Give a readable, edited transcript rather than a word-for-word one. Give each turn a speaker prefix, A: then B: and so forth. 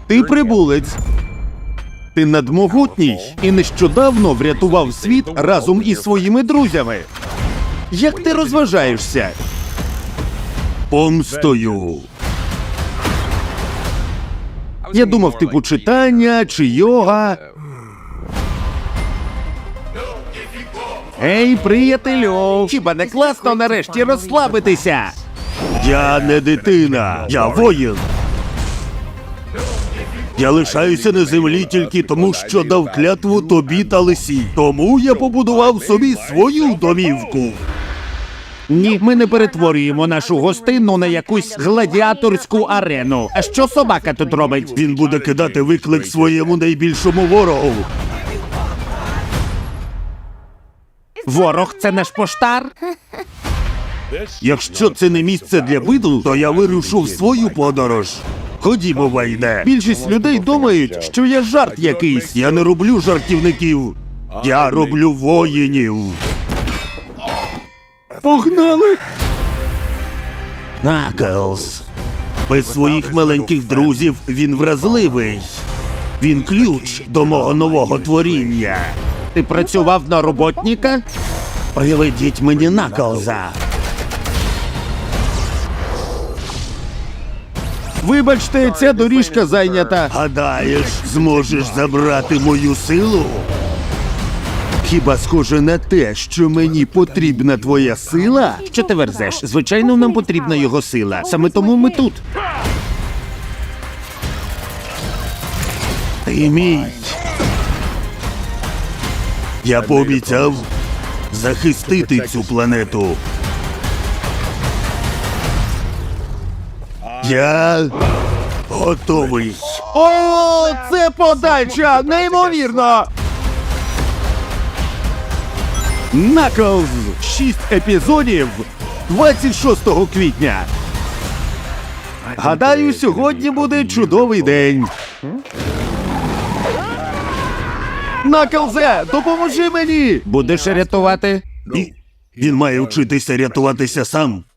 A: Ти прибулець. Ти надмогутній і нещодавно врятував світ разом із своїми друзями. Як ти розважаєшся? Помстою. Я думав, типу читання чи йога. Ей, приятелю! Хіба не класно нарешті розслабитися? Я не дитина, я воїн. Я лишаюся на землі тільки тому, що дав клятву тобі та лисі. Тому я побудував собі свою домівку. Ні, ми не перетворюємо нашу гостину на якусь гладіаторську арену. А що собака тут робить? Він буде кидати виклик своєму найбільшому ворогу. Ворог – це наш поштар? Якщо це не місце для виду, то я вирушу в свою подорож. Ходімо, Вайне. Більшість людей думають, що я жарт якийсь. Я не роблю жартівників. Я роблю воїнів. Погнали! Наклз. Без своїх маленьких друзів він вразливий. Він ключ до мого нового творіння. Ти працював на роботника? Приведіть мені Наклза. Вибачте, ця доріжка зайнята. Гадаєш, зможеш забрати мою силу? Хіба схоже на те, що мені потрібна твоя сила? Що ти верзеш? Звичайно, нам потрібна його сила. Саме тому ми тут. Ти мій. Я пообіцяв захистити цю планету. Я готовий. О, це подача! Неймовірно! Наклз! 6 епізодів 26 квітня. Гадаю, сьогодні буде чудовий день. Наклзе, допоможи мені! Будеш рятувати? Ні. Він має вчитися рятуватися сам.